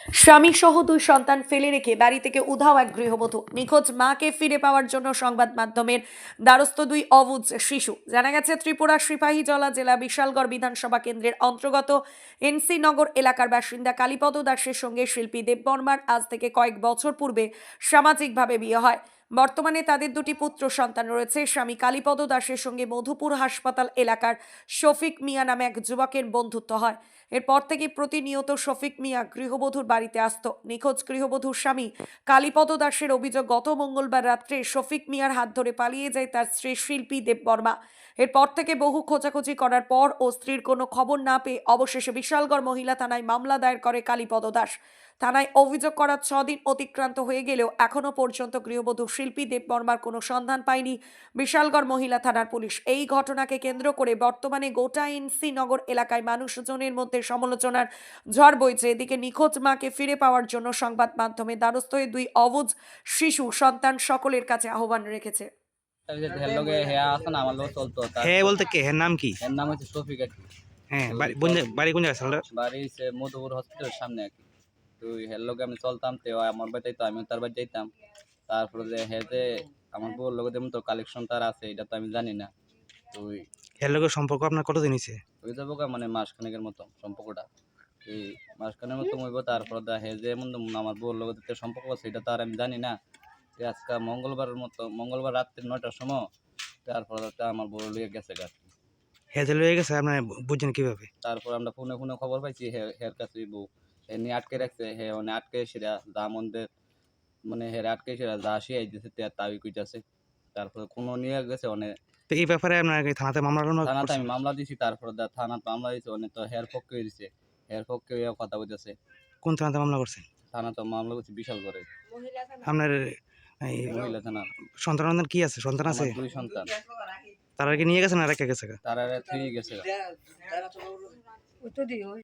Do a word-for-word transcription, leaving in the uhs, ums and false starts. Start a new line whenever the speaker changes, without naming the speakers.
স্বামী সহ দুই সন্তান ফেলে রেখে বাড়ি থেকে উধাও এক গৃহবধূ। নিখোঁজ মাকে ফিরে পাওয়ার জন্য সংবাদ মাধ্যমের দ্বারস্থ দুই অবুঝ শিশু। জানা গেছে, ত্রিপুরা সিপাহীজলা জেলা বিশালগড় বিধানসভা কেন্দ্রের অন্তর্গত এনসি নগর এলাকার বাসিন্দা কালীপদ দাসের সঙ্গে শিল্পী দেববর্মার আজ থেকে কয়েক বছর পূর্বে সামাজিকভাবে বিয়ে হয়। বর্তমানে তাদের দুটি পুত্র সন্তান রয়েছে। স্বামী কালীপদ দাসের সঙ্গে মধুপুর হাসপাতাল এলাকার শফিক মিয়া নামে এক যুবকের বন্ধুত্ব হয়। এরপর থেকে প্রতিনিয়ত শফিক মিয়া গৃহবধূর বাড়িতে আসত। নিখোঁজ গৃহবধূর স্বামী কালীপদ দাসের অভিযোগ, গত মঙ্গলবার রাত্রে শফিক মিয়ার হাত ধরে পালিয়ে যায় তার স্ত্রী শিল্পী দেববর্মা। এরপর থেকে বহু খোঁজাখুঁজি করার পর ও স্ত্রীর কোনো খবর না পেয়ে অবশেষে বিশালগড় মহিলা থানায় মামলা দায়ের করে কালীপদ দাস। থানায় অভিযোগ করার ছদিন অতিক্রান্ত হয়ে গেলেও এখনো পর্যন্ত গৃহবধূ শিল্পী দেববর্মার কোনো সন্ধান পায়নি বিশালগড় মহিলা থানার পুলিশ। এই ঘটনাকে কেন্দ্র করে বর্তমানে গোটা এনসি নগর এলাকায় মানুষজনের মধ্যে সমালোচনার ঝড় বইছে। এদিকে নিখোঁজ মাকে ফিরে পাওয়ার জন্য সংবাদ মাধ্যমে দ্বারস্থ হয়ে দুই অবুঝ শিশু সন্তান সকলের কাছে আহ্বান রেখেছে।
হ্যাঁ বলতে কে? হ্যাঁ নাম কি?
এর নাম হচ্ছে শফিক আর কি।
হ্যাঁ বাড়ি কোন জায়গা- বাড়ি কোন জায়গায় সালটা?
বাড়ি হচ্ছে মধুপুর হসপিটালের সামনে আর কি। তো হের লগে আমি চলতাম, তো ও আমার বাড়ি যাইতো, আমিও তার বাড়ি যাইতাম। তারপরে যে হে যে আমার বউর লগে যেমন তো কালেকশন তার আছে, এটা তো আমি জানি না। তো ওই
এর লোকের সম্পর্ক আপনার কতদিন হয়েছে?
ওই যাবো গা মানে মাসখানেকের মতো সম্পর্কটা। এই মাসখানের মতো হইব। তারপরে দা হে যে এমন আমার বউর লগে যে সম্পর্ক আছে, এটা তো আর আমি জানি না। তো আজকে মঙ্গলবারের মতো মঙ্গলবার রাত্রি নয়টার সময় তারপরে তো আমার বউর লইয়া গেছে গা।
হ্যাঁ যে লয়ে গেছে আপনার বুঝছেন কিভাবে?
তারপর আমরা ফোনে ফোনে খবর পাইছি হে হের কাছে বউ হে নিয়ে আটকে রাখছে। হে মানে আটকে সেরা যা মন্দের মানে হের আটকে সেরা যা শিয়াই দিছে তে তাই কইতাছে। তারপরে কোনো নিয়ে গেছে অনেক
তো এই ব্যাপারে আপনার কি থানাতে মামলা টামলা
থানাতে
করছেন?
আমি মামলা দিছি। তারপরে দা থানাতে মামলা দিছে অনেক, তো হের পক্ষে দিছে, হের পক্ষে ইয়া কথা বলতেছে।
কোন থানাতে মামলা করছেন?
থানাতে মামলা করছি বিশাল করে
আপনার এই
মহিলা থানা।
সন্তান সন্তান কি আছে? সন্তান আছে?
আমার দুই সন্তান,
তারা কি নিয়ে গেছেন আর রেখে গেছে?
তারা থ্রি গেছে।